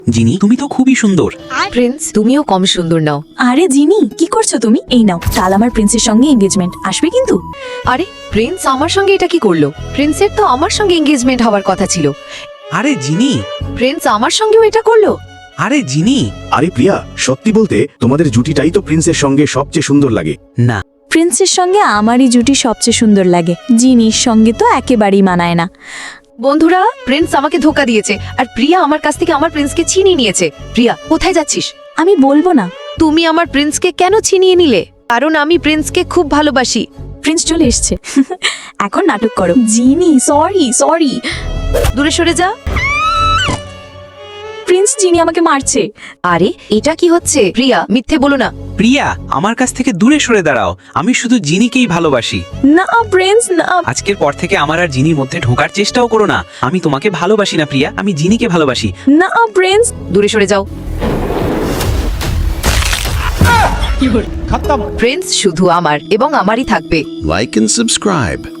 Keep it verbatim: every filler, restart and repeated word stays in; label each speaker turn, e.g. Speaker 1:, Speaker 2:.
Speaker 1: জিনি তুমি তো খুবই সুন্দর।
Speaker 2: প্রিন্স তুমিও কম সুন্দর নাও।
Speaker 3: আরে জিনি কি করছো তুমি? এই নাও, কাল আমার প্রিন্সের সঙ্গে এঙ্গেজমেন্ট, আসবে কিন্তু।
Speaker 2: আরে প্রিন্স আমার সঙ্গে এটা কি করলো? প্রিন্সের তো আমার সঙ্গে এঙ্গেজমেন্ট হওয়ার কথা ছিল।
Speaker 1: আরে জিনি,
Speaker 2: প্রিন্স আমার সঙ্গেও এটা করলো।
Speaker 1: আরে জিনি।
Speaker 4: আরে প্রিয়া, সত্যি বলতে তোমাদের জুটিটাই তো প্রিন্সের সঙ্গে সবচেয়ে সুন্দর লাগে।
Speaker 1: না,
Speaker 3: প্রিন্সের সঙ্গে আমারই জুটি সবচেয়ে সুন্দর লাগে, জিনির সঙ্গে তো একেবারেই মানায় না।
Speaker 2: বন্ধুরা, প্রিন্স আমাকে ধোকা দিয়েছে আর প্রিয়া আমার কাছ থেকে আমার প্রিন্সকে ছিনিয়ে নিয়েছে। প্রিয়া, কোথায় যাচ্ছিস?
Speaker 3: আমি বলবো না।
Speaker 2: তুমি আমার প্রিন্সকে কেন ছিনিয়ে নিলে? কারণ আমি প্রিন্সকে খুব ভালোবাসি।
Speaker 3: প্রিন্স চলে এসছে। এখন নাটক করো। জিনি সরি সরি।
Speaker 2: দূরে সরে যা।
Speaker 3: প্রিন্স, জিনি আমাকে মারছে।
Speaker 2: আরে এটা কি হচ্ছে? প্রিয়া, মিথ্যে বলো না।
Speaker 1: প্রিয়া আমার কাছ থেকে দূরে সরে দাঁড়াও। আমি শুধু জিনিকেই ভালোবাসি।
Speaker 3: না প্রিন্স না।
Speaker 1: আজকের পর থেকে আমার আর জিনির মধ্যে ঢোকার চেষ্টাও করো না। আমি তোমাকে ভালোবাসি না প্রিয়া, আমি জিনিকে ভালোবাসি।
Speaker 3: না প্রিন্স।
Speaker 2: দূরে সরে যাও। প্রিন্স শুধু আমার এবং আমারই থাকবে।
Speaker 5: Like and subscribe.